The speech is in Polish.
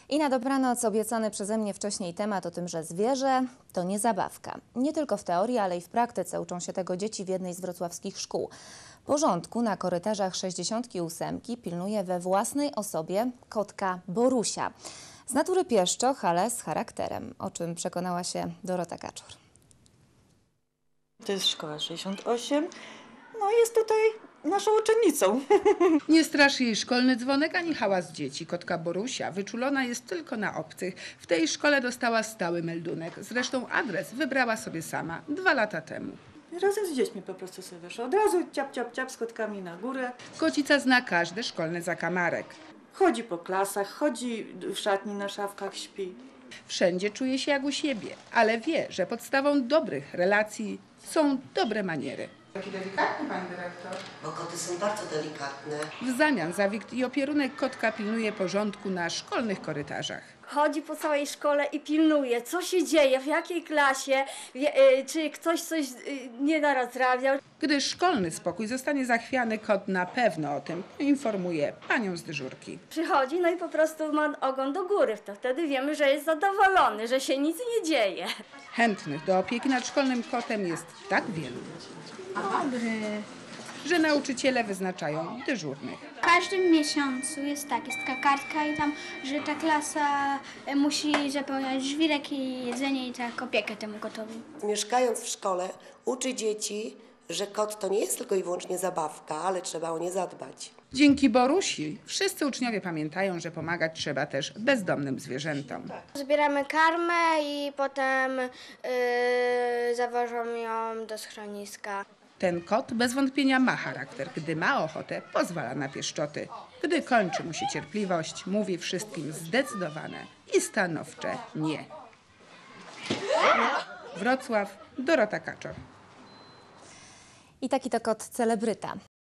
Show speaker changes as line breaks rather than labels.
I na dobranoc obiecany przeze mnie wcześniej temat o tym, że zwierzę to nie zabawka. Nie tylko w teorii, ale i w praktyce uczą się tego dzieci w jednej z wrocławskich szkół. Porządku na korytarzach 68 pilnuje we własnej osobie kotka Borusia. Z natury pieszczoch, ale z charakterem, o czym przekonała się Dorota Kaczor.
To jest szkoła 68. No jest tutaj naszą uczennicą.
Nie straszy jej szkolny dzwonek ani hałas dzieci. Kotka Borusia wyczulona jest tylko na obcych. W tej szkole dostała stały meldunek. Zresztą adres wybrała sobie sama 2 lata temu.
Razem z dziećmi po prostu sobie wyszła. Od razu ciap, ciap, ciap z kotkami na górę.
Kocica zna każdy szkolny zakamarek.
Chodzi po klasach, chodzi w szatni, na szafkach śpi.
Wszędzie czuje się jak u siebie, ale wie, że podstawą dobrych relacji są dobre maniery. Taki delikatny pan dyrektor.
Bo koty są bardzo delikatne.
W zamian za wikt i opierunek kotka pilnuje porządku na szkolnych korytarzach.
Chodzi po całej szkole i pilnuje, co się dzieje, w jakiej klasie, czy ktoś coś nie narazrabiał.
Gdy szkolny spokój zostanie zachwiany, kot na pewno o tym poinformuje panią z dyżurki.
Przychodzi, no i po prostu ma ogon do góry, to wtedy wiemy, że jest zadowolony, że się nic nie dzieje.
Chętnych do opieki nad szkolnym kotem jest tak wielu, że nauczyciele wyznaczają dyżurnych.
W każdym miesiącu jest taka kartka i tam, że ta klasa musi zapełniać żwirek i jedzenie i tak opiekę temu kotowi.
Mieszkając w szkole uczy dzieci, że kot to nie jest tylko i wyłącznie zabawka, ale trzeba o nie zadbać.
Dzięki Borusi wszyscy uczniowie pamiętają, że pomagać trzeba też bezdomnym zwierzętom.
Zbieramy karmę i potem zawożą ją do schroniska.
Ten kot bez wątpienia ma charakter. Gdy ma ochotę, pozwala na pieszczoty. Gdy kończy mu się cierpliwość, mówi wszystkim zdecydowane i stanowcze nie. Wrocław, Dorota Kaczor.
I taki to kot celebryta.